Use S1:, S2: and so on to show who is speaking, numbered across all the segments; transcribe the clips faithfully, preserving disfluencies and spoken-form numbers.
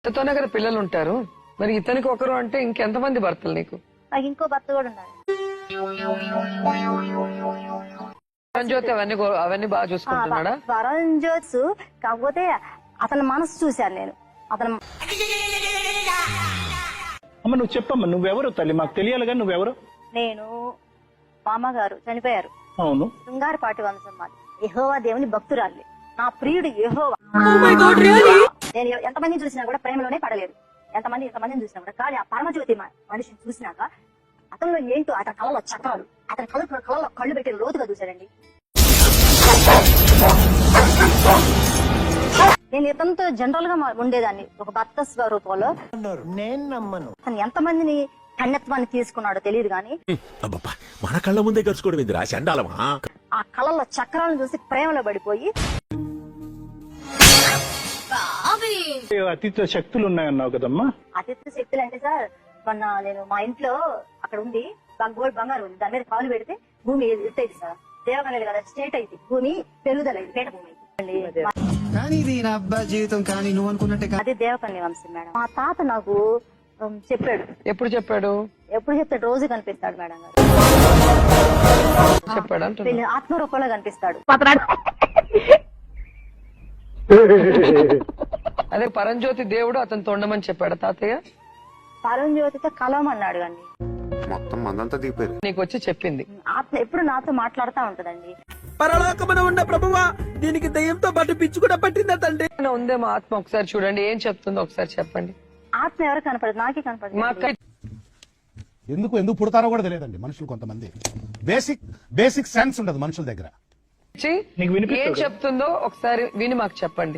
S1: ఇతనే కదా పిల్లలు ఉంటారు, మరి ఇతనికి ఒకరు అంటే ఇంకెంతమంది భర్తలు నీకు?
S2: నాకు ఇంకో భర్త కూడా ఉన్నారు.
S1: పరంజ్యోతి అవన్నీ గో- అవన్నీ బాగా చూసుకుంటున్నాడా?
S2: పరంజ్యోత్స్ కాకపోతే అతని మనసు చూశాను నేను. అతను
S3: అమ్మ నువ్వు చెప్పమ్మా, నువ్వెవరు తల్లి? మాకు తెలియాలిగా నువ్వెవరు?
S2: నేను మామగారు చనిపోయారు,
S3: అవును.
S2: శృంగారపాటి వంశం మాది. యెహోవా దేవుని భక్తురాలి, నా ప్రియుడు యెహోవా. నేను ఎంతమందిని చూసినా కూడా ప్రేమలోనే పడలేదు, ఎంతమంది ఎంతమందిని చూసినా కూడా. కానీ ఆ పరమజ్యోతి మ- మనిషిని చూసినాక అతనిలో ఏంటో, అతని కళలో చక్రాలు, అతని కళ్ళు కళ్ళలో కళ్ళు పెట్టి లోతుగా చూశాడండి. నేను ఇతనితో జనరల్ గా మా- ఉండేదాన్ని ఒక భర్త స్వరూపంలో.
S4: నేను నమ్మను.
S2: అతను ఎంతమందిని కన్యత్వాన్ని తీసుకున్నాడో తెలియదు కానీ
S5: అబ్బబ్బా, మన కళ్ళ ముందే గడుచుకోవడం ఏందిరా చండాలమా?
S2: ఆ కళల్లో చక్రాలను చూసి ప్రేమలో పడిపోయి
S3: అతీత శక్తులు ఉన్నాయన్నావు కదమ్మా.
S2: అతిథి శక్తులు అంటే సార్, మొన్న నేను మా ఇంట్లో అక్కడ ఉంది గోల్డ్ బంగారం ఉంది, దాని మీద కాలు పెడితే భూమి ఎత్తైంది సార్. దేవకలేదు కదా, స్టేట్ అయింది భూమి, పెరుగుదల అయింది, పేట భూమి అయింది.
S4: కానీ ఇది నా అబ్బాయి జీవితం, కానీ నువ్వు అనుకున్నట్టే కాదు.
S2: అదే దేవకన్య వంశం మేడం. మా తాత నాకు ఉమ్, చెప్పాడు.
S1: ఎప్పుడు చెప్పాడు?
S2: ఎప్పుడు చెప్తాడు, రోజు కనిపిస్తాడు మేడం గారు.
S1: చెప్పాడు అంటున్నా.
S2: వీళ్ళు ఆత్మరూపంలో కనిపిస్తాడు.
S1: అదే పరంజ్యోతి దేవుడు అతను తొండమని చెప్పాడు తాతయ్య.
S2: పరంజ్యోతితో కలవమన్నాడు కానీ
S6: మొత్తం మందంతా దిగిపోయారు.
S1: నీకు వచ్చి చెప్పింది.
S2: ఆత్మ ఎప్పుడు నాతో మాట్లాడుతూ ఉంటదండి.
S7: పరలోకమున ఉన్న ప్రభువా, దీనికి దయ్యంతో పాటు పిచ్చి కూడా పట్టిందా తండ్రి?
S1: ఉందేమో ఆత్మ, ఒకసారి చూడండి ఏం చెప్తుందో ఒకసారి చెప్పండి.
S2: ఆత్మ ఎవరు కనపడదు, నాకే కనపడదు.
S1: మా అక్క
S8: ఎందుకు ఎందుకు పుడతారో కూడా తెలియదండి మనుషులు. కొంతమంది బేసిక్ బేసిక్ సెన్స్ ఉండదు మనుషుల దగ్గర.
S1: ఇచ్చి
S3: నీకు వినిపిస్తుందా?
S1: ఏం చెప్తుందో ఒకసారి విని మాకు చెప్పండి.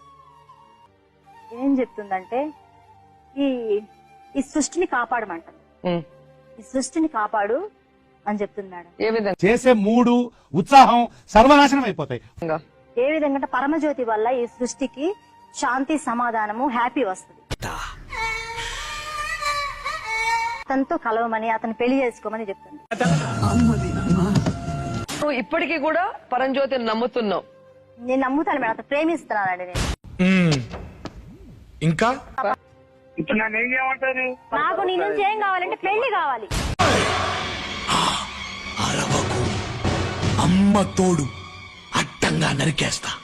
S2: ఏం చెప్తుందంటే ఈ ఈ సృష్టిని కాపాడమంటారు,
S1: ఉమ్.
S2: ఈ సృష్టిని కాపాడు అని చెప్తుంది మేడం.
S1: ఏ విధంగా?
S8: చేసే మూడు ఉత్సాహం సర్వనాశనం అయిపోతాయి.
S2: ఏ విధంగా అంటే పరమజ్యోతి వల్ల ఈ సృష్టికి శాంతి, సమాధానము, హ్యాపీ వస్తుంది. అతనితో కలవమని, అతను పెళ్లి చేసుకోమని చెప్తుంది.
S1: నువ్వు ఇప్పటికీ కూడా పరంజ్యోతిని నమ్ముతున్నావు?
S2: నేను నమ్ముతాను మేడం, అతను ప్రేమిస్తున్నానండి నేను.
S5: ఇంకా
S3: ఇప్పుడు నన్ను ఏం చేయమంటారు?
S2: నాకు నీ నుంచి ఏం కావాలంటే పెళ్లి కావాలి.
S5: అరవకు, అమ్మ తోడు అడ్డంగా నరికేస్తా.